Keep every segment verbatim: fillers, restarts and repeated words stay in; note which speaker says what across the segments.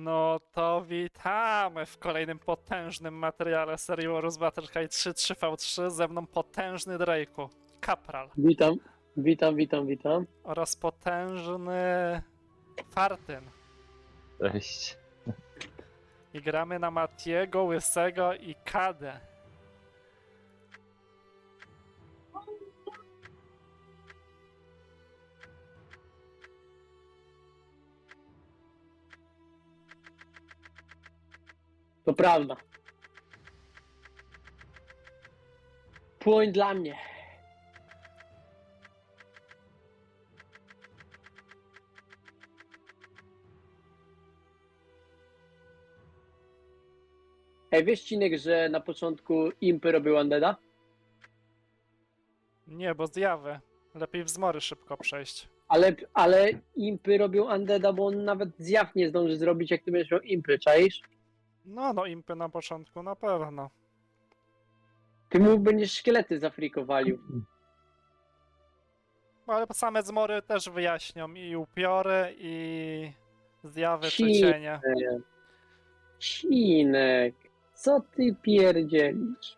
Speaker 1: No to witamy w kolejnym potężnym materiale serii Warus Battlecry trzy trzy v trzy. Ze mną potężny Drake'u, Kapral
Speaker 2: Witam, witam, witam, witam.
Speaker 1: oraz potężny Fartyn.
Speaker 3: Cześć.
Speaker 1: I gramy na Matiego, Łysego i Kadę.
Speaker 2: To prawda. Płoń dla mnie. Ej, wiesz, Cinek, że na początku impy robił Undeada?
Speaker 1: Nie, bo zjawy. Lepiej w zmory szybko przejść.
Speaker 2: Ale, ale impy robią Undeada, bo on nawet zjaw nie zdąży zrobić, jak ty będziesz miał impy, czaisz?
Speaker 1: No, no impy na początku na pewno.
Speaker 2: Ty mu będziesz szkielety zafrikowalił.
Speaker 1: No, ale same zmory też wyjaśnią i upiory, i zjawy czy
Speaker 2: Ci-
Speaker 1: cienie.
Speaker 2: Cinek, co ty pierdzielisz?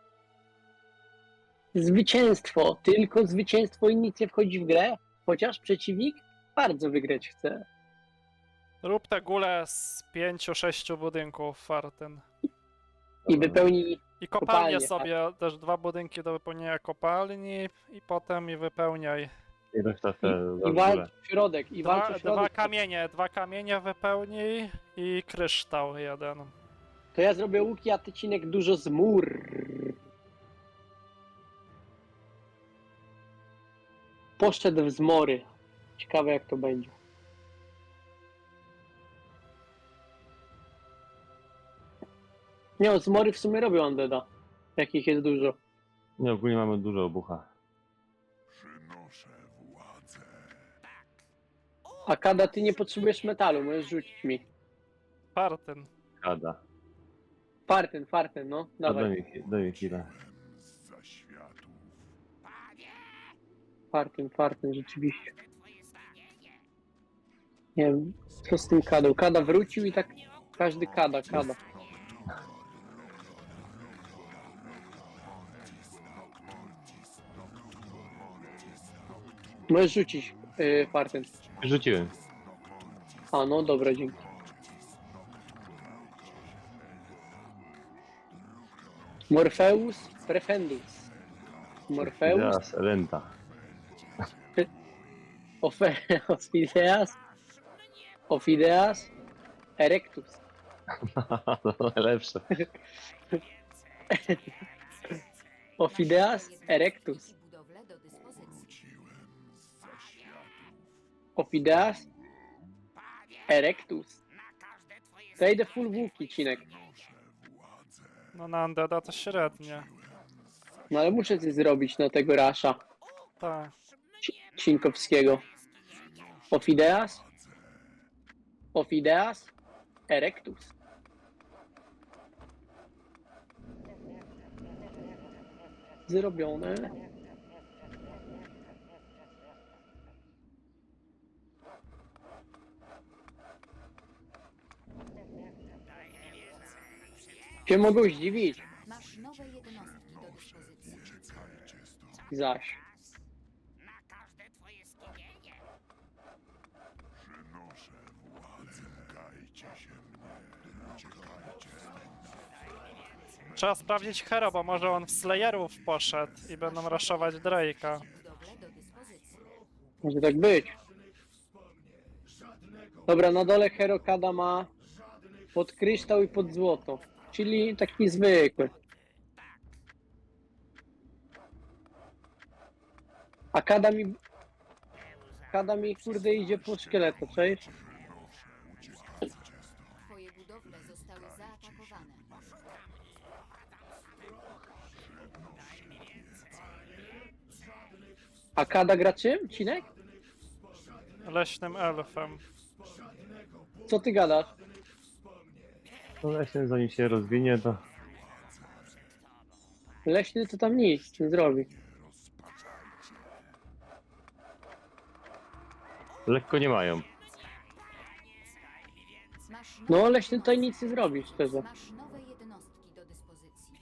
Speaker 2: Zwycięstwo, tylko zwycięstwo i nic nie wchodzi w grę, chociaż przeciwnik bardzo wygrać chce.
Speaker 1: Rób te gule z pięciu, sześciu budynków, Fartyn.
Speaker 2: I wypełni,
Speaker 1: I kopalnie
Speaker 2: Kopalnie,
Speaker 1: sobie, też dwa budynki do wypełnienia kopalni i potem i wypełniaj.
Speaker 3: I reszta te
Speaker 2: i walcz w środek, i walcz
Speaker 1: Dwa,
Speaker 2: w środek.
Speaker 1: dwa kamienie, dwa kamienie wypełnij i kryształ jeden.
Speaker 2: To ja zrobię łuki, a ty, Cinek, dużo z mur. Poszedł w zmory. Ciekawe, jak to będzie. Nie, no, zmory w sumie robią Undeada. Jakich jest dużo.
Speaker 3: Nie, ogólnie mamy dużo obucha.
Speaker 4: Przynoszę władzę.
Speaker 2: A Kada, ty nie potrzebujesz metalu, możesz rzucić mi.
Speaker 1: Fartyn.
Speaker 3: Kada.
Speaker 2: Farten, farten, no.
Speaker 3: A daj
Speaker 2: Dawaj.
Speaker 3: mi, daj mi chwilę.
Speaker 4: Zza światów.
Speaker 2: Farten, farten, rzeczywiście. Nie wiem, co z tym Kadą. Kada wrócił i tak każdy Kada, Kada. Możesz rzucić, yy, farten.
Speaker 3: Rzuciłem.
Speaker 2: A, no dobra, dzięki. Morpheus Prefendus. Morpheus
Speaker 3: Teraz renta.
Speaker 2: Ofe- Ophideas Ophideas Erectus.
Speaker 3: To lepsze.
Speaker 2: Ophideas Erectus.
Speaker 5: Budowlę do dyspozycji.
Speaker 2: Ophideas Erectus. To idę full łuki, Cinek.
Speaker 1: No na Undeada to średnie.
Speaker 2: No ale muszę coś zrobić na tego rasza
Speaker 1: Tak.
Speaker 2: Ci- Cinkowskiego. Ophideas Ophideas Erectus. Zrobione. Cię mogą zdziwić,
Speaker 5: Masz nowe jednostki do dyspozycji.
Speaker 2: zaś.
Speaker 4: Przynoszę władzę. Czekajcie się mnie. Czekajcie
Speaker 1: Trzeba sprawdzić Hero, bo może on w Slayerów poszedł i będą raszować Drake'a.
Speaker 5: Budowlę do dyspozycji.
Speaker 2: Może tak być. Dobra, na dole Herokada ma pod kryształ i pod złoto. Czyli taki zwykły. A Kada mi... Kada mi kurde idzie po szkieleto, cześć?
Speaker 5: Twoje budowle zostały zaatakowane.
Speaker 2: A Kada gra czym? Cinek?
Speaker 1: Leśnym elfem.
Speaker 2: Co ty gadasz?
Speaker 3: No właśnie, zanim się rozwinie, to
Speaker 2: Leśny to tam nic nie zrobi.
Speaker 3: lekko nie mają.
Speaker 5: Masz
Speaker 2: No, leśny tutaj nic nie zrobi, szczerze.
Speaker 5: Masz nowe jednostki do dyspozycji.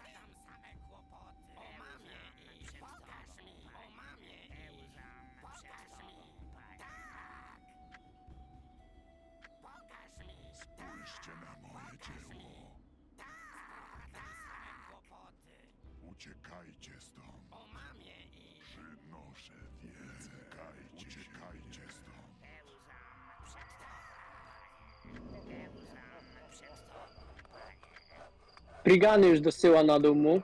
Speaker 4: Spójrzcie na moje dzieło. Uciekajcie stąd. Przynoszę wiedzę. Uciekajcie, uciekajcie stąd.
Speaker 2: Brigany już dosyła na dół mu.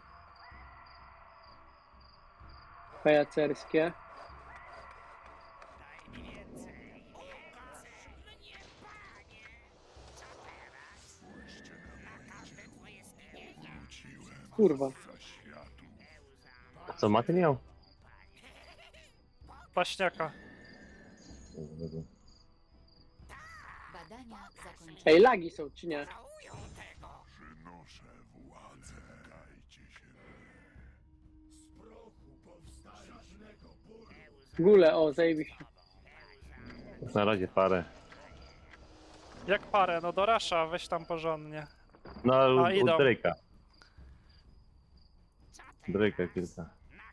Speaker 2: Pajacerskie.
Speaker 4: Wróciłem
Speaker 2: Kurwa.
Speaker 4: za światu.
Speaker 3: A co, maty miał?
Speaker 1: Paśniaka.
Speaker 3: Dobra, dobra.
Speaker 5: Badania zakończone.
Speaker 2: Ej, lagi są, czy nie?
Speaker 4: Przynoszę władzę. Uciekajcie się mnie.
Speaker 2: Gule, o, zajebiście.
Speaker 3: Jak na razie parę.
Speaker 1: Jak parę, no do Rasha, weź tam porządnie.
Speaker 3: No,
Speaker 1: A,
Speaker 3: u, u
Speaker 1: idą.
Speaker 3: Drake'a. Drake'a kilka.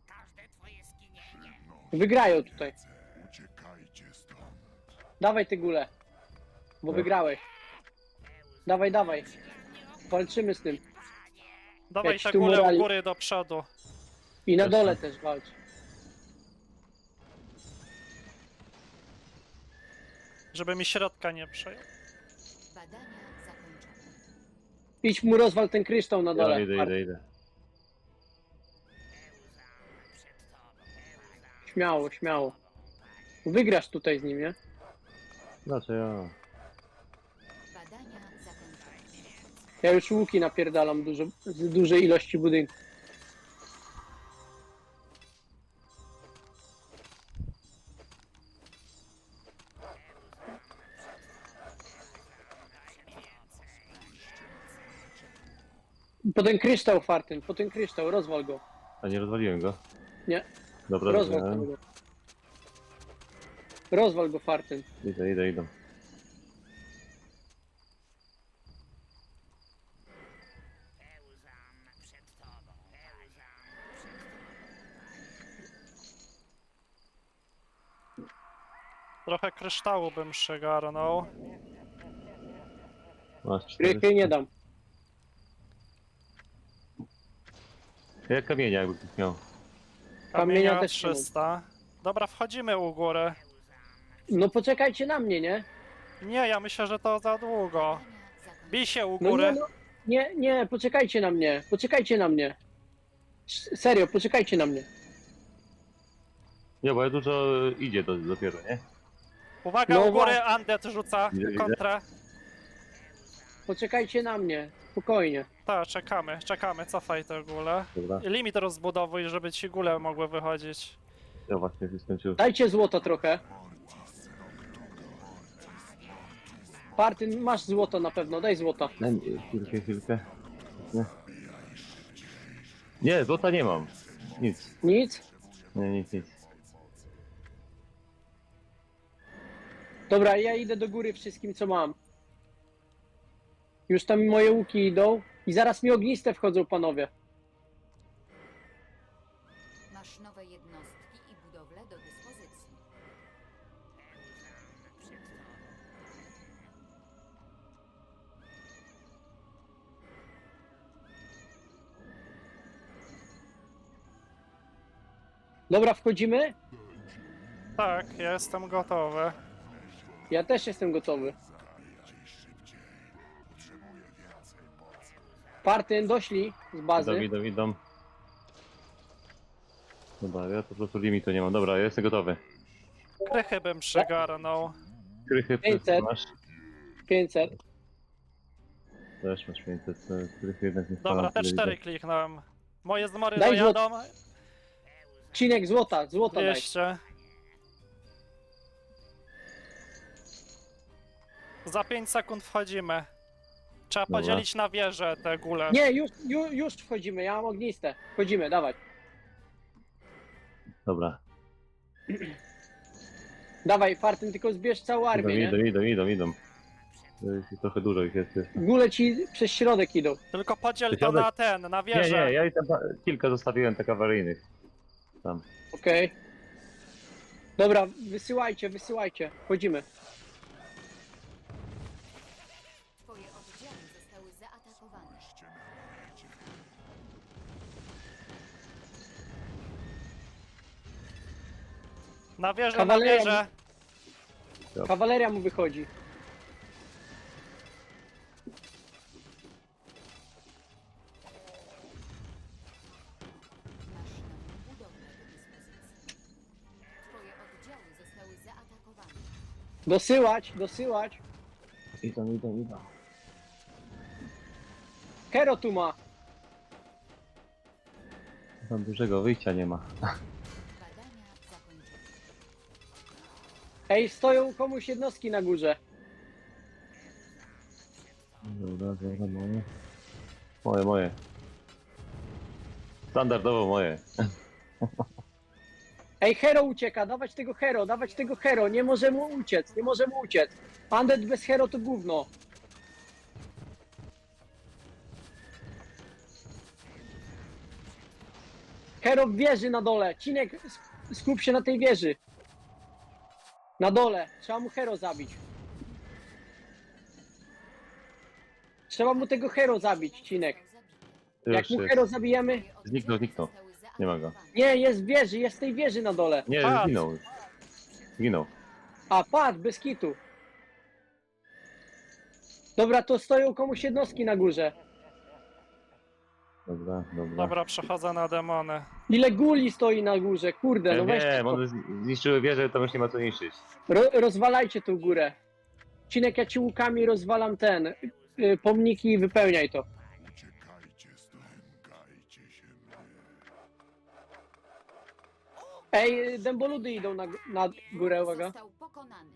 Speaker 2: Wygrają tutaj.
Speaker 4: Uciekajcie stąd.
Speaker 2: Dawaj te gule. Bo
Speaker 3: No.
Speaker 2: wygrałeś. Dawaj, dawaj. Walczymy z tym.
Speaker 1: Dawaj
Speaker 2: Jak
Speaker 1: te
Speaker 2: tu
Speaker 1: górę u
Speaker 2: morali-
Speaker 1: góry do przodu.
Speaker 2: I na
Speaker 3: Jasne.
Speaker 2: dole też walcz.
Speaker 1: Żeby mi środka nie przejął.
Speaker 5: Badania zakończone.
Speaker 2: Idź mu rozwal ten kryształ na
Speaker 3: Ja
Speaker 2: dole.
Speaker 3: idę, idę, idę.
Speaker 2: Śmiało, śmiało. Wygrasz tutaj z nim, nie?
Speaker 3: Znaczy ja.
Speaker 5: Badania zakończone.
Speaker 2: Ja już łuki napierdalam dużo, z dużej ilości budynków. Po ten kryształ, Fartyn, po ten kryształ, rozwal go.
Speaker 3: A nie rozwaliłem go?
Speaker 2: Nie.
Speaker 3: Dobra,
Speaker 2: Rozwal
Speaker 3: dobra.
Speaker 2: go. Rozwal go, Fartyn.
Speaker 3: Idę, idę, idę.
Speaker 1: Trochę kryształu bym przygarnął.
Speaker 3: Masz
Speaker 2: Rychy
Speaker 3: cztery.
Speaker 2: nie dam.
Speaker 3: Ja kamienia jakby ktoś miał.
Speaker 2: Kamienia
Speaker 1: Kamienia
Speaker 2: też nie mam.
Speaker 1: trzysta. Dobra, wchodzimy u góry.
Speaker 2: No poczekajcie na mnie, nie?
Speaker 1: Nie, ja myślę, że to za długo.
Speaker 5: Badania zakończone.
Speaker 1: Bij się u
Speaker 2: No
Speaker 1: góry.
Speaker 2: nie, no, nie, nie, poczekajcie na mnie, poczekajcie na mnie. S- Serio, poczekajcie na mnie.
Speaker 3: Nie, bo ja dużo idzie do, dopiero, nie?
Speaker 1: Uwaga,
Speaker 2: No
Speaker 1: u góry
Speaker 2: właśnie.
Speaker 1: Undead rzuca
Speaker 3: Widzę, widzę.
Speaker 1: kontrę.
Speaker 2: Poczekajcie na mnie, spokojnie.
Speaker 1: Tak, czekamy, czekamy, cofaj te góle.
Speaker 3: Dobra.
Speaker 1: Limit rozbudowuj, żeby ci góle mogły wychodzić.
Speaker 3: Ja właśnie się skończył.
Speaker 2: Dajcie złota trochę. Partyn, masz złoto na pewno, daj złota.
Speaker 3: Daj mi chwilkę, chwilkę. Nie. Nie, złota nie mam. Nic.
Speaker 2: Nic?
Speaker 3: Nie, nic, nic.
Speaker 2: Dobra, ja idę do góry wszystkim, co mam. Już tam moje łuki idą i zaraz mi ogniste wchodzą, panowie.
Speaker 5: Masz nowe jednostki i budowle do dyspozycji.
Speaker 2: Dobra, wchodzimy?
Speaker 1: Tak, ja jestem gotowy.
Speaker 2: Ja też jestem gotowy. Partyn, doszli z
Speaker 3: Idą,
Speaker 2: bazy.
Speaker 3: idą, idą. Dobra, ja to po prostu limitu nie mam. Dobra, ja jestem gotowy.
Speaker 1: Krychy bym przygarnął.
Speaker 3: Krychy
Speaker 2: pięćset.
Speaker 3: masz.
Speaker 2: pięćset.
Speaker 3: Też masz pięćset. to jest Krychy jednak nie
Speaker 1: Dobra,
Speaker 3: spala,
Speaker 1: te
Speaker 3: tyle
Speaker 1: cztery
Speaker 3: widzę.
Speaker 1: kliknąłem. Moje zmory
Speaker 2: Daj
Speaker 1: dojadą.
Speaker 2: Cinek złota, złota daj.
Speaker 1: dwieście. Za pięć sekund wchodzimy. Trzeba
Speaker 3: Dobra.
Speaker 1: podzielić na wieże te góle.
Speaker 2: Nie, już, już, już wchodzimy, ja mam ogniste. Wchodzimy, dawaj.
Speaker 3: Dobra.
Speaker 2: Dawaj, Fartyn, tylko zbierz całą
Speaker 3: Idą,
Speaker 2: armię,
Speaker 3: idą,
Speaker 2: nie?
Speaker 3: idą, idą, idą. To jest trochę dużo ich jest jeszcze.
Speaker 2: Góle ci przez środek idą.
Speaker 1: Tylko podziel to
Speaker 3: Środek-
Speaker 1: na ten, na
Speaker 3: Nie,
Speaker 1: wieżę.
Speaker 3: nie, ja i tam pa- kilka zostawiłem tak awaryjnych. Tam.
Speaker 2: Okej. Dobra, wysyłajcie, wysyłajcie. Wchodzimy.
Speaker 5: Twoje oddziały zostały zaatakowane.
Speaker 1: Na wieżę, na
Speaker 2: Kawaleria-
Speaker 1: wieżę.
Speaker 2: Kawaleria mu wychodzi.
Speaker 5: Masz nową budowlę do dyspozycji. Twoje oddziały zostały zaatakowane.
Speaker 2: Dosyłać, dosyłać.
Speaker 3: Idą, idą, idą.
Speaker 2: Kero tu ma.
Speaker 3: Tam dużego wyjścia nie ma.
Speaker 5: Badania zakończone.
Speaker 2: Ej, stoją komuś jednostki na górze.
Speaker 3: Dobra, dobra, moje. Moje, moje. Standardowo moje.
Speaker 2: Ej, Hero ucieka, dawać tego Hero, dawać tego Hero. Nie może mu uciec, nie może mu uciec. Undead bez Hero to gówno. Hero w wieży na dole. Cinek, sk- skup się na tej wieży. Na dole. Trzeba mu Hero zabić. Trzeba mu tego Hero zabić, Cinek.
Speaker 3: To
Speaker 2: Jak
Speaker 3: już
Speaker 2: mu
Speaker 3: jest.
Speaker 2: Hero zabijemy...
Speaker 5: Twoje oddziały
Speaker 3: Zniknął, zniknął.
Speaker 5: zostały
Speaker 3: Nie ma go.
Speaker 5: zaatakowane.
Speaker 2: Nie, jest w wieży, jest w tej wieży na dole.
Speaker 3: Nie,
Speaker 1: Patrz.
Speaker 3: zginął już. Zginął.
Speaker 2: A, padł, bez kitu. Dobra, to stoją komuś jednostki na górze.
Speaker 3: Dobra, dobra.
Speaker 1: Dobra, przechodzę na demony.
Speaker 2: Ile guli stoi na górze, kurde, no
Speaker 3: Ja
Speaker 2: weźcie
Speaker 3: wiem,
Speaker 2: to.
Speaker 3: one zni- zniszczyły wieżę, tam już nie ma co niszczyć.
Speaker 2: Ro, rozwalajcie tą górę. Cinek, ja ci łukami rozwalam ten, y, pomniki i wypełniaj to.
Speaker 4: Uciekajcie stąd. Lękajcie się mnie.
Speaker 2: Ej, dęboludy idą na, g- na górę, uwaga.
Speaker 5: Został pokonany.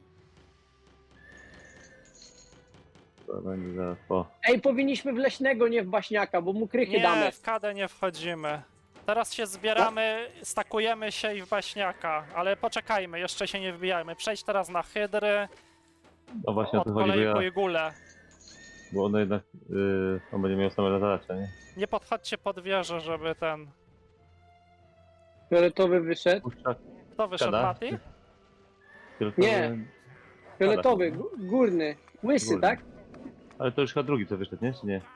Speaker 3: To będzie zaraz po.
Speaker 2: Ej, powinniśmy w leśnego, nie w baśniaka, bo mu krychy damy.
Speaker 1: Nie, w kadę nie wchodzimy. Teraz się zbieramy, stakujemy się i w baśniaka, ale poczekajmy, jeszcze się nie wbijajmy. Przejdź teraz na hydry,
Speaker 3: No właśnie o
Speaker 1: od
Speaker 3: to chodzi, bo ja.
Speaker 1: kolejku i gule.
Speaker 3: Bo ono jednak. Yy, on będzie miał same zadача, nie?
Speaker 1: Nie podchodźcie pod wieżę, żeby ten...
Speaker 2: Fioletowy wyszedł.
Speaker 3: Puszczak.
Speaker 1: Kto wyszedł,
Speaker 3: Kada?
Speaker 1: Mati?
Speaker 3: fioletowy-
Speaker 2: Nie. Fioletowy, gó- górny. Łysy,
Speaker 3: Górny.
Speaker 2: tak?
Speaker 3: Ale to już chyba drugi co wyszedł, nie? Czy nie?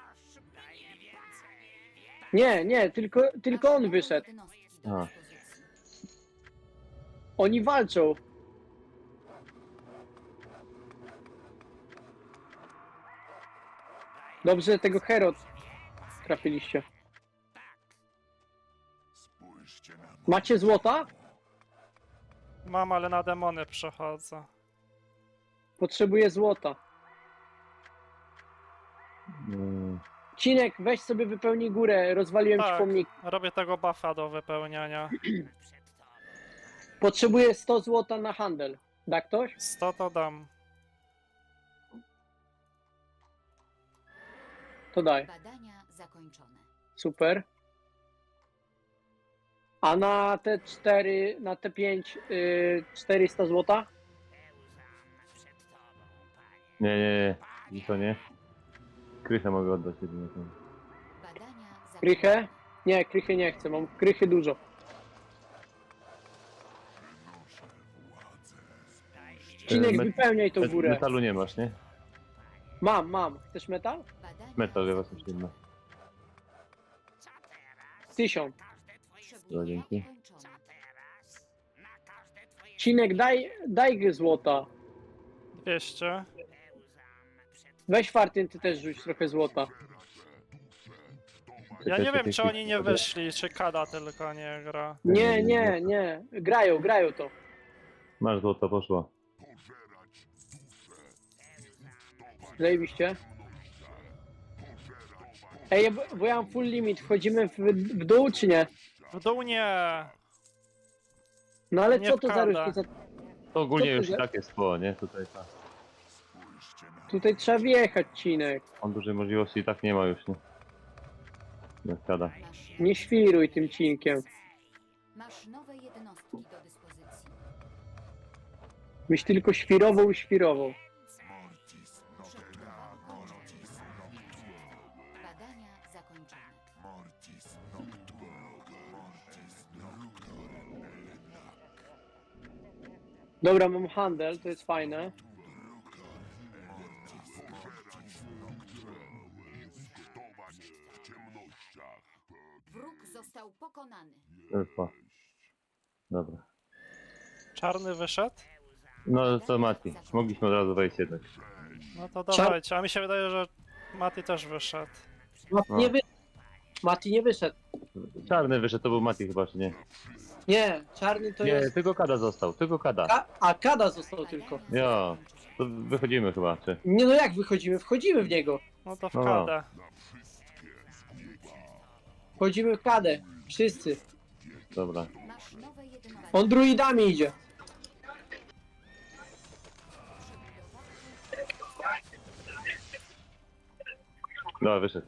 Speaker 2: Nie, nie, tylko, tylko on wyszedł.
Speaker 5: Jednostki do
Speaker 3: A.
Speaker 5: dyspozycji.
Speaker 2: Oni walczą. Dobrze, tego Hero trafiliście.
Speaker 4: Spójrzcie na moje.
Speaker 2: Macie złota?
Speaker 1: Mam, ale na demony przechodzę.
Speaker 2: Potrzebuję złota.
Speaker 3: Yy,
Speaker 2: Cinek, weź sobie wypełnij górę, rozwaliłem ci
Speaker 1: Tak.
Speaker 2: pomnik.
Speaker 1: Robię tego buffa do wypełniania.
Speaker 2: Potrzebuję sto złota na handel. Da ktoś?
Speaker 1: sto to dam.
Speaker 2: To daj.
Speaker 5: Badania zakończone.
Speaker 2: Super. A na te cztery, na te pięć, yy, czterysta złota?
Speaker 3: Nie, nie, nie. I to nie. Krychę mogę oddać jedynie. tam.
Speaker 5: Badania zakończone.
Speaker 2: Krychę? Nie, krychy nie chcę, mam krychy dużo.
Speaker 4: Przynoszę władzę.
Speaker 2: Cinek,
Speaker 3: met-
Speaker 2: wypełniaj tą
Speaker 3: Met-
Speaker 2: górę.
Speaker 3: Metalu nie masz, nie?
Speaker 2: Mam, mam. Chcesz metal?
Speaker 5: Badania
Speaker 3: Metal ja was
Speaker 5: zakończone.
Speaker 3: nie ma.
Speaker 2: Tysiąc.
Speaker 5: Przebudowa
Speaker 3: dzięki.
Speaker 5: ukończona.
Speaker 2: Cinek, daj, daj złota.
Speaker 1: dwieście.
Speaker 2: Weź Fartyn, ty też rzuć trochę złota.
Speaker 1: Ja nie wiem, czy
Speaker 3: Czekaj,
Speaker 1: oni nie
Speaker 3: czekaj.
Speaker 1: wyszli, czy Kada tylko nie gra.
Speaker 2: Nie, nie, nie. Grają, grają to.
Speaker 3: Masz złoto, poszło.
Speaker 2: Zajebiście. Ej, ja- bo ja mam full limit. Wchodzimy w, w dół, czy nie?
Speaker 1: W dół nie!
Speaker 2: No ale
Speaker 1: Nie
Speaker 2: co to za
Speaker 1: wkłada.
Speaker 2: różnica?
Speaker 3: To ogólnie
Speaker 2: Co to
Speaker 3: już i
Speaker 2: za-
Speaker 3: tak jest po, nie? Tutaj ta.
Speaker 4: Spójrzcie na
Speaker 2: Tutaj trzeba wjechać, Cinek.
Speaker 3: On dużej możliwości i tak nie ma już, nie? Nie skada.
Speaker 5: Masz
Speaker 2: Nie świruj tym cinkiem.
Speaker 5: Masz nowe jednostki do dyspozycji.
Speaker 2: Byś tylko świrował i świrował.
Speaker 4: Mortis
Speaker 5: Przebudowa skończony.
Speaker 4: Mortis Nocturne. Mortis Nocturne.
Speaker 2: Dobra, mam handel, to jest fajne.
Speaker 4: Instruktować w ciemnościach.
Speaker 5: Wróg został pokonany.
Speaker 3: Elfa. Dobra.
Speaker 1: Czarny wyszedł?
Speaker 3: No to Mati. Mogliśmy od razu wejść jednak.
Speaker 1: No to dawajcie, a mi się wydaje, że Mati też wyszedł.
Speaker 2: Mati
Speaker 3: No.
Speaker 2: nie, wy... Mati nie wyszedł.
Speaker 3: Czarny wyszedł, to był Mati chyba, czy nie?
Speaker 2: Nie, czarny to
Speaker 3: Nie,
Speaker 2: jest...
Speaker 3: tylko Kada został, tylko Kada.
Speaker 2: Ka... A, Kada został tylko.
Speaker 3: Ja, to wychodzimy chyba, czy?
Speaker 2: Nie no jak wychodzimy? Wchodzimy w niego.
Speaker 1: No to w
Speaker 3: No.
Speaker 1: kadę.
Speaker 2: Wchodzimy w Kadę. Wszyscy.
Speaker 3: Dobra.
Speaker 5: Masz nowe jednostki.
Speaker 2: On druidami idzie.
Speaker 3: Dobra, wyszedł.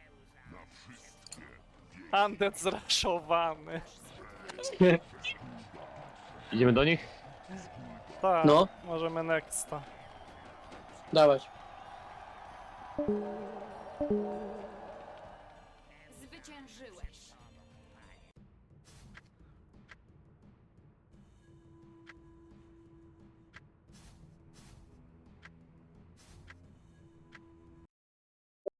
Speaker 1: Undead zraszowany.
Speaker 3: Idziemy do nich?
Speaker 1: Tak,
Speaker 2: No.
Speaker 1: możemy nexta.
Speaker 2: Dawać.
Speaker 5: Zwyciężyłeś.